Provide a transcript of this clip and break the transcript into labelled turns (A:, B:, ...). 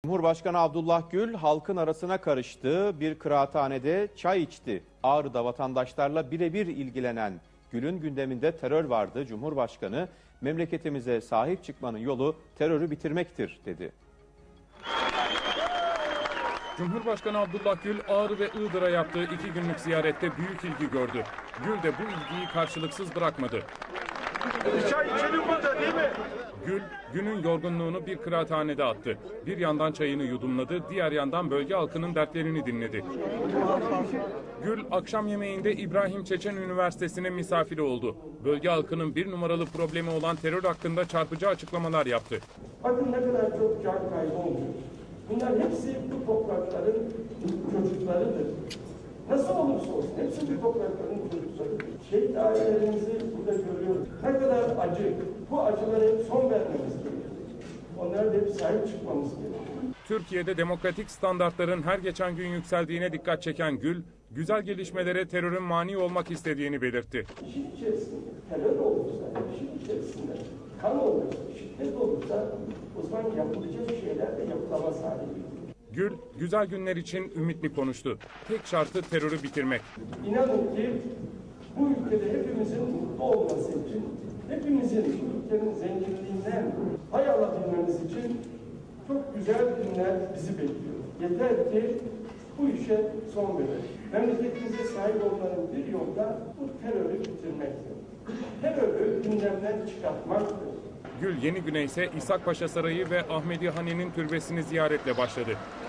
A: Cumhurbaşkanı Abdullah Gül halkın arasına karıştı, bir kıraathanede çay içti. Ağrı'da vatandaşlarla birebir ilgilenen Gül'ün gündeminde terör vardı. Cumhurbaşkanı, memleketimize sahip çıkmanın yolu terörü bitirmektir dedi.
B: Cumhurbaşkanı Abdullah Gül, Ağrı ve Iğdır'a yaptığı 2 günlük ziyarette büyük ilgi gördü. Gül de bu ilgiyi karşılıksız bırakmadı.
C: Çay içelim burada değil mi?
B: Gül, günün yorgunluğunu bir kıraathanede attı. Bir yandan çayını yudumladı, diğer yandan bölge halkının dertlerini dinledi. Gül, akşam yemeğinde İbrahim Çeçen Üniversitesi'ne misafiri oldu. Bölge halkının bir numaralı problemi olan terör hakkında çarpıcı açıklamalar yaptı.
D: Bakın ne kadar çok can kaybı oluyor. Bunlar hepsi bu toprakların çocuklarıdır. Nasıl olursa olsun hepsi bu toprakların çocuklarıdır. Şehit ailelerimizi burada görüyoruz. Ne kadar acı. Bu acılara hep son vermemiz gerekiyor. Onlara da hep sahip çıkmamız gerekiyor.
B: Türkiye'de demokratik standartların her geçen gün yükseldiğine dikkat çeken Gül, güzel gelişmelere terörün mani olmak istediğini belirtti.
D: İşin içerisinde terör olursa, işin içerisinde kan olursa, şiddet olursa o zaman yapılacak şeyler de yapılamaz hale geliyor.
B: Gül, güzel günler için ümitli konuştu. Tek şartı terörü bitirmek.
D: İnanın ki bu ülkede hepimizin mutlu olması için, hepimizin bu ülkenin zenginliğinden pay alabilmemiz için çok güzel günler bizi bekliyor. Yeter ki bu işe son verelim. Memleketimize sahip olmanın bir yolu da bu terörü bitirmektir. Terörü gündemden çıkartmaktır.
B: Gül yeni güne ise İshak Paşa Sarayı ve Ahmedi Hani'nin türbesini ziyaretle başladı.